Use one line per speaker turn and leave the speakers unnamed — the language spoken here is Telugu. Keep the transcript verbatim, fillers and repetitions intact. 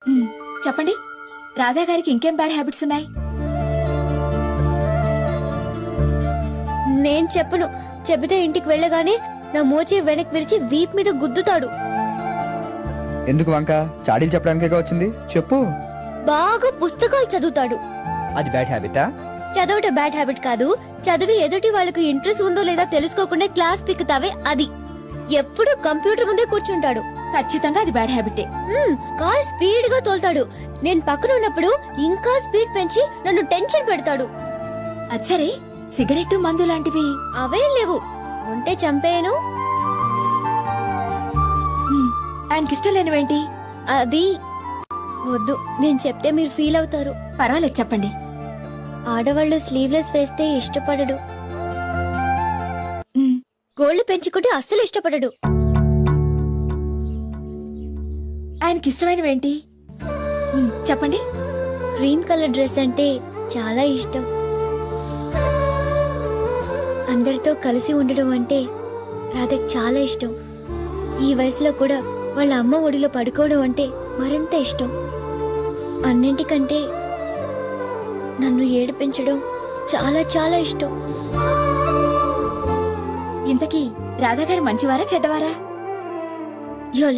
మ్, చెప్పండి, రాధా గారికి ఇంకేం బ్యాడ్ హ్యాబిట్స్ ఉన్నాయి?
నేను చెప్పను. చెబితే ఇంటికి వెళ్ళగానే నా మోచే వెనక్కి విరిచి వీప్ మీద గుద్దుతాడు.
ఎందుకు వంక? చాడీలు చెప్పడానికే వచ్చింది, చెప్పు.
బాగా పుస్తకాలు చదువుతాడు.
అది బ్యాడ్ హ్యాబిటా?
చదవటం బ్యాడ్ హ్యాబిట్ కాదు. చదివి ఎదుటి వాళ్ళకు ఇంట్రెస్ట్ ఉందో లేదా తెలుసుకోకుండా క్లాస్ పిక్కుతావే అది. ఎప్పుడు కంప్యూటర్ ముందే కూర్చుంటాడు.
ఖచ్చితంగా అది బ్యాడ్ హ్యాబిటే.
మ్మ్, కార్ స్పీడ్ గా తోలుతాడు. నేను పక్కన ఉన్నప్పుడు ఇంకా స్పీడ్ పెంచి నన్ను టెన్షన్ పెడతాడు.
అది సరే, సిగరెట్ మందు లాంటివి?
అవేం లేవు. ఉంటే చంపేయను.
మ్, ఆయనకిష్టం లేనివేంటి?
అది వద్దు, నేను చెప్తే మీరు ఫీల్ అవుతారు.
పర్వాలేదు, చెప్పండి.
ఆడవాళ్ళు స్లీవ్లెస్ వేస్తే ఇష్టపడడు.
మ్,
గోళ్లు పెంచుకుంటే అస్సలు ఇష్టపడడు.
ఆయనకిష్టమైనవేంటి? మ్, చెప్పండి.
గ్రీన్ కలర్ డ్రెస్ అంటే చాలా ఇష్టం. అందరితో కలిసి ఉండడం అంటే రాధకి చాలా ఇష్టం. ఈ వయసులో కూడా వాళ్ళ అమ్మ ఒడిలో పడుకోవడం అంటే మరింత ఇష్టం. అన్నింటికంటే నన్ను ఏడిపించడం చాలా చాలా ఇష్టం.
ఇంతకీ రాధా గారు మంచివారా చెడ్డవారా?
యో